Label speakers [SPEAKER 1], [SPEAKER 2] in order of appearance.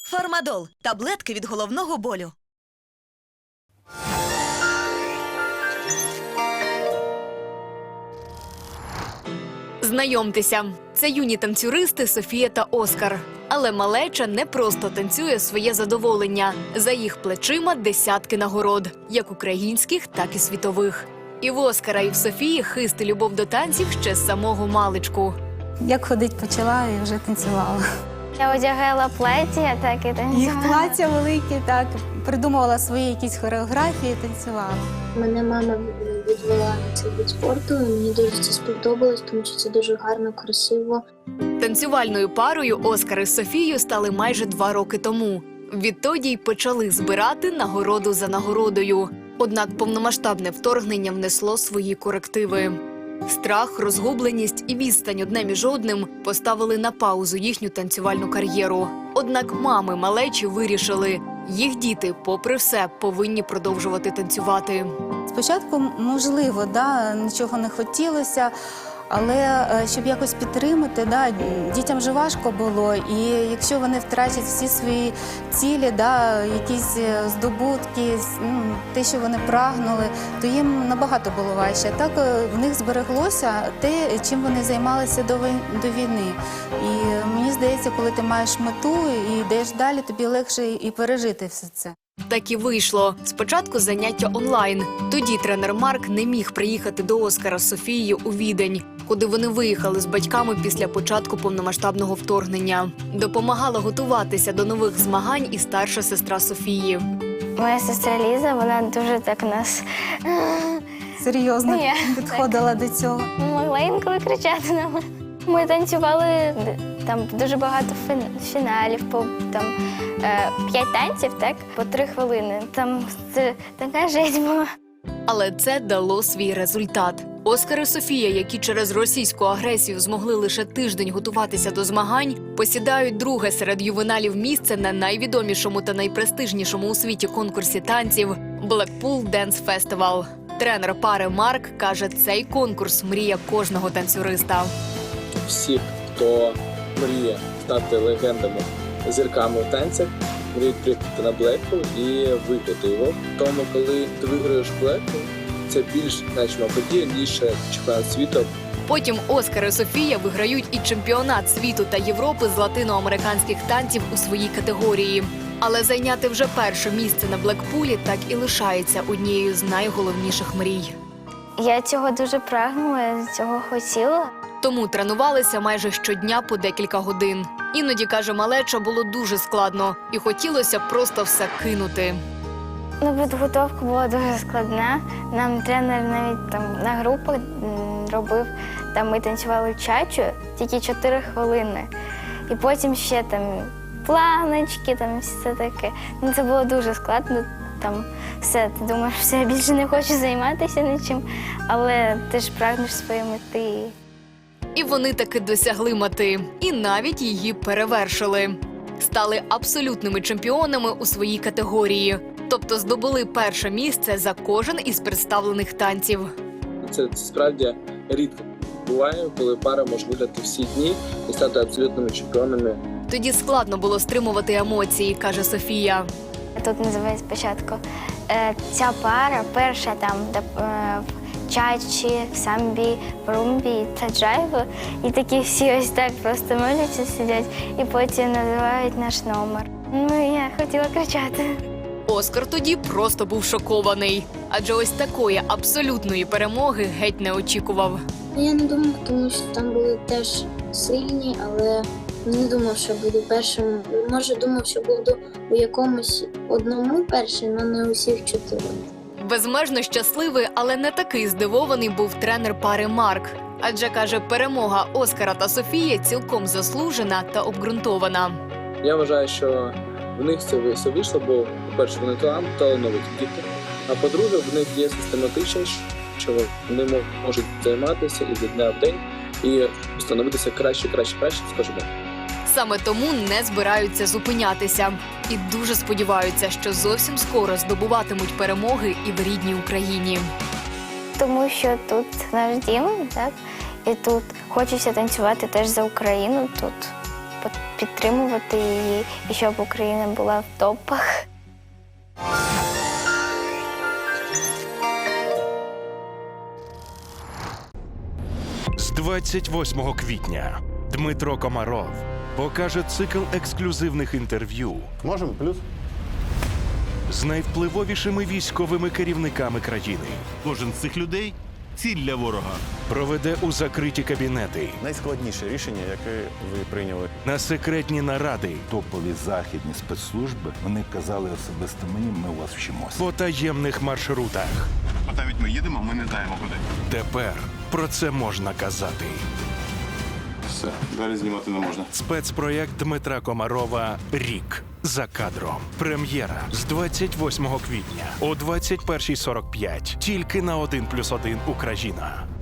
[SPEAKER 1] Фармадол – таблетки від головного болю.
[SPEAKER 2] Знайомтеся, це юні танцюристи Софія та Оскар. Але малеча не просто танцює своє задоволення. За їх плечима десятки нагород, як українських, так і світових. І в Оскара, і в Софії хист і любов до танців ще з самого маличку.
[SPEAKER 3] Як ходить почала і вже танцювала.
[SPEAKER 4] Я одягала плаття, так і танцювала.
[SPEAKER 3] Їх плаття великі, так, придумувала свої якісь хореографії, танцювала.
[SPEAKER 5] Мене мама відвела на цей вид спорту, і мені дуже це сподобалось, тому що це дуже гарно, красиво.
[SPEAKER 2] Танцювальною парою Оскар із Софією стали майже 2 роки тому. Відтоді й почали збирати нагороду за нагородою. Однак повномасштабне вторгнення внесло свої корективи. Страх, розгубленість і відстань одне між одним поставили на паузу їхню танцювальну кар'єру. Однак мами малечі вирішили, їх діти, попри все, повинні продовжувати танцювати.
[SPEAKER 3] Спочатку, можливо, нічого не хотілося, але щоб якось підтримати, дітям вже важко було. І якщо вони втратять всі свої цілі, якісь здобутки, те, що вони прагнули, то їм набагато було важче. Так в них збереглося те, чим вони займалися до війни. І мені здається, коли ти маєш мету і йдеш далі, тобі легше і пережити все це.
[SPEAKER 2] Так і вийшло. Спочатку заняття онлайн. Тоді тренер Марк не міг приїхати до Оскара з Софією у Відень, куди вони виїхали з батьками після початку повномасштабного вторгнення. Допомагала готуватися до нових змагань і старша сестра Софії.
[SPEAKER 4] Моя сестра Ліза, вона дуже так нас
[SPEAKER 3] Серйозно підходила до цього.
[SPEAKER 4] могла інколи кричати на мене. Ми танцювали там дуже багато фіналів, по 5 танців, так, по 3 хвилини. Там це така жесть була.
[SPEAKER 2] Але це дало свій результат. Оскар і Софія, які через російську агресію змогли лише тиждень готуватися до змагань, посідають друге серед ювеналів місце на найвідомішому та найпрестижнішому у світі конкурсі танців – Blackpool Dance Festival. Тренер пари Марк каже, цей конкурс – мрія кожного танцюриста.
[SPEAKER 6] Всі, хто мріє стати легендами, зірками в танцях, мріють приїхати на Blackpool і виграти його. Тому, коли ти виграєш Blackpool, це більш значима подія, ніж чемпіонат світу.
[SPEAKER 2] Потім Оскар і Софія виграють і чемпіонат світу та Європи з латиноамериканських танців у своїй категорії. Але зайняти вже перше місце на Блекпулі так і лишається однією з найголовніших мрій.
[SPEAKER 4] Я цього дуже прагнула, я цього хотіла.
[SPEAKER 2] Тому тренувалися майже щодня по декілька годин. Іноді, каже малеча, було дуже складно і хотілося просто все кинути.
[SPEAKER 4] Підготовка була дуже складна. Нам тренер навіть на групах робив, ми танцювали чачу тільки 4 хвилини. І потім ще планочки, все таке. Це було дуже складно. Все, ти думаєш, все, я більше не хочу займатися нічим, але ти ж прагнеш своєї мети.
[SPEAKER 2] І вони таки досягли мети. І навіть її перевершили. Стали абсолютними чемпіонами у своїй категорії. Тобто здобули перше місце за кожен із представлених танців.
[SPEAKER 6] Це справді рідко буває, коли пара може виграти всі дні і стати абсолютними чемпіонами.
[SPEAKER 2] Тоді складно було стримувати емоції, каже Софія.
[SPEAKER 4] Тут називають спочатку ця пара, перша в чачі, самбі, румбі та джайву. І такі всі ось так просто моляться, сидять, і потім називають наш номер. Я хотіла кричати.
[SPEAKER 2] Оскар тоді просто був шокований. Адже ось такої абсолютної перемоги геть не очікував.
[SPEAKER 5] Я не думав, тому що там були теж сильні, але не думав, що буду першим. Може, думав, що буду у якомусь одному першим, але не усіх 4.
[SPEAKER 2] Безмежно щасливий, але не такий здивований був тренер пари Марк. Адже, каже, перемога Оскара та Софії цілком заслужена та обґрунтована.
[SPEAKER 6] Я вважаю, що в них це все вийшло, бо, по-перше, вони талановиті діти, а по-друге, в них є систематичність, що вони можуть займатися із дня в день і становитися краще з кожним.
[SPEAKER 2] Саме тому не збираються зупинятися. І дуже сподіваються, що зовсім скоро здобуватимуть перемоги і в рідній Україні.
[SPEAKER 4] Тому що тут наш дім, так? І тут хочеться танцювати теж за Україну тут. підтримувати її і щоб Україна була в топах.
[SPEAKER 7] З 28 квітня Дмитро Комаров покаже цикл ексклюзивних інтерв'ю
[SPEAKER 8] Можемо? Плюс?
[SPEAKER 7] з найвпливовішими військовими керівниками країни.
[SPEAKER 9] Кожен з цих людей ціль для ворога.
[SPEAKER 7] Проведе у закриті кабінети,
[SPEAKER 8] Найскладніше рішення, яке ви прийняли.
[SPEAKER 7] на секретні наради,
[SPEAKER 10] Топові західні спецслужби, вони казали особисто мені, ми у вас вчимося.
[SPEAKER 7] по таємних маршрутах.
[SPEAKER 9] А навіть ми їдемо, ми не знаємо куди.
[SPEAKER 7] Тепер про це можна казати.
[SPEAKER 9] Все, далі знімати не можна.
[SPEAKER 7] Спецпроєкт Дмитра Комарова «Рік за кадром». Прем'єра з 28 квітня о 21:45. Тільки на 1+1 Україна.